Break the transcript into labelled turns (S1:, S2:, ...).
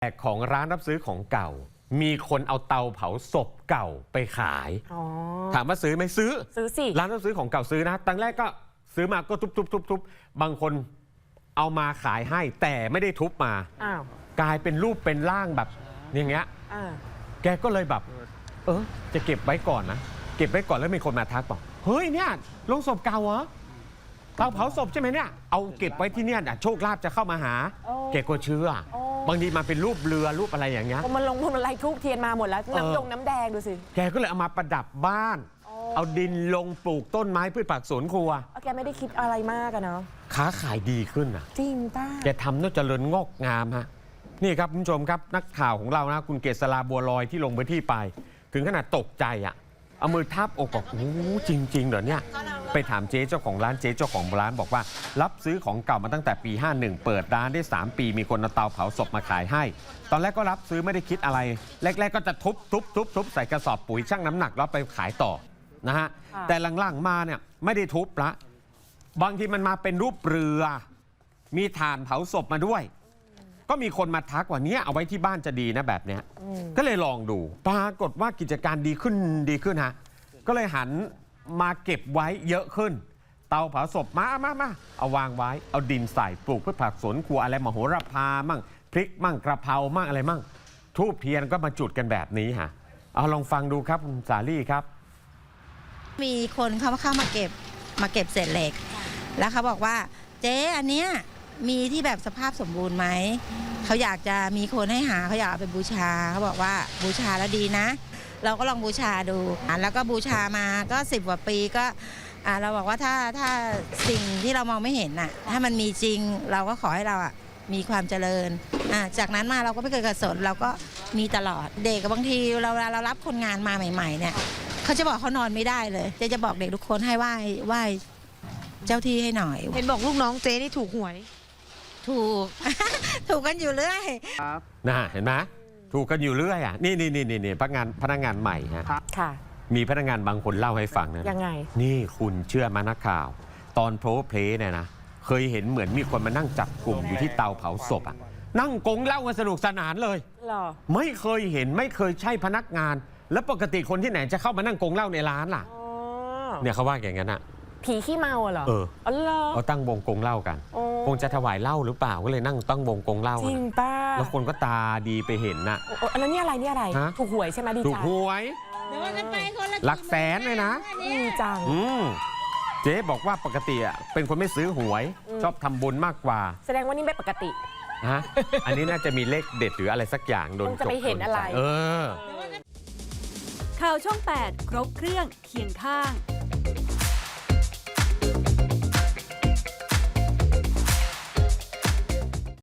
S1: แต่ของร้านรับซื้อของเก่ามีคนเอาเตาเผาศพเก่าไปขายถามว่าซื้อไหมซื้อ
S2: สิ
S1: ร้านรับซื้อของเก่าซื้อนะตั้งแรกก็ซื้อมาก็ทุบบางคนเอามาขายให้แต่ไม่ได้ทุบมากลายเป็นรูปเป็นร่างแบบอย่างเงี้ยแกก็เลยแบบจะเก็บไว้ก่อนนะเก็บไว้ก่อนแล้วมีคนมาทักบอกเฮ้ยเนี่ยโรงศพเก่าเหรอเตาเผาศพใช่ไหมเนี่ยเอาเก็บไว้ที่เนี่ยโชคลาภจะเข้ามาหาแกก็เชื่อบางทีมาเป็นรูปเรือรูปอะไรอย่างเงี้ย
S2: มันลงทุนอะไรทูบเทียนมาหมดแล้วน้ำแดงดูสิ
S1: แกก็เลยเอามาประดับบ้านเอาดินลงปลูกต้นไม้พืชผักสวนครัว
S2: แกไม่ได้คิดอะไรมากอะเนาะ
S1: ค้าขายดีขึ้นอ่ะ
S2: จริงป้า
S1: แกทำน่าเจริญงอกงามฮะนี่ครับคุณผู้ชมครับนักข่าวของเรานะคุณเกษราบัวลอยที่ลงพื้นที่ไปถึงขนาดตกใจอ่ะเอามือทับอกบอกโอ้จริงเหรอเนี่ยไปถามเจ๊เจ้าของร้านเจ๊เจ้าของร้านบอกว่ารับซื้อของเก่ามาตั้งแต่ปี51เปิดร้านได้3ปีมีคนเอาเตาเผาศพมาขายให้ตอนแรกก็รับซื้อไม่ได้คิดอะไรแรกๆก็จะทุบใส่กระสอบปุ๋ยชั่งน้ำหนักแล้วไปขายต่อนะฮะแต่หลังๆมาเนี่ยไม่ได้ทุบละบางทีมันมาเป็นรูปเรือมีถ่านเผาศพมาด้วยก็มีคนมาทักว่านี้เอาไว้ที่บ้านจะดีนะแบบเนี้ยก็เลยลองดูปรากฏว่ากิจการดีขึ้นฮะก็เลยหันมาเก็บไว้เยอะขึ้นเตาเผาศพมาเอาวางไว้เอาดินใส่ปลูกพืชผักสวนครัวอะไรมโหระพามั่งพริกมั่งกระเพรามั่งอะไรมั่งทูบเทียนก็มาจุดกันแบบนี้ฮะเอาลองฟังดูครับคุณสาลี่ครับ
S3: มีคนเข้ามาเก็บเศษเหล็กแล้วเขาบอกว่าเจ๊อันเนี้ยมีที่แบบสภาพสมบูรณ์ไหมเขาอยากจะมีคนให้หาเขาอยากเอาไปบูชาเขาบอกว่าบูชาแล้วดีนะเราก็ลองบูชาดูแล้วก็บูชามาก็10 กว่าปีก็เราบอกว่าถ้าสิ่งที่เรามองไม่เห็นน่ะถ้ามันมีจริงเราก็ขอให้เรามีความเจริญจากนั้นมาเราก็ไม่เคยกระสนเราก็มีตลอดเด็กบางทีเรารับคนงานมาใหม่ๆเนี่ยเขาจะบอกเขานอนไม่ได้เลยจะบอกเด็กทุกคนให้ไหว้เจ้าที่ให้หน่อย
S2: เห็นบอกลูกน้องเจ๊นี่ถูกหวย
S3: ถูก ถูกกันอยู่เรื่อย
S1: นะเห็นไหมถูกกันอยู่เรื่อยนี่พนักงานใหม่ฮะมีพนักงานบางคนเล่าให้ฟังนะ
S2: ยังไง
S1: นี่คุณเชื่อมานักข่าวตอนโพเพลเนี่ยนะเคยเห็นเหมือนมีคนมานั่งจับกลุ่มอยู่ที่เตาเผาศพนั่งกงเล่ากันสนุกสนานเลยไม่เคยเห็นไม่เคยใช่พนักงานแล้วปกติคนที่ไหนจะเข้ามานั่งกงเล่าในร้านล่ะเนี่ยเขาว่าอย่างนั้น
S2: ผีขี้เมาเหรอ
S1: เขาตั้งวงกงเล่ากันคงจะถวายเหล้าหรือเปล่าก็เลยนั่งตั้งวงกงเล่า
S2: จริงป้า
S1: แล้วคนก็ตาดีไปเห็นน่ะ
S2: แล้วนี่อะไรถูกหวยใช่ไหมดีใจ
S1: ถูกหวยหลักแสนเลยนะ
S2: ดีจัง
S1: เจ๊บอกว่าปกติเป็นคนไม่ซื้อหวยชอบทำบุญมากกว่า
S2: แสดงว่านี่ไม่ปกติ
S1: อันนี้น่าจะมีเลขเด็ดหรืออะไรสักอย่างโดน
S2: จะไปเห็นอะไร
S4: ข่าวช่อง 8 ครบเครื่องเคียงข้าง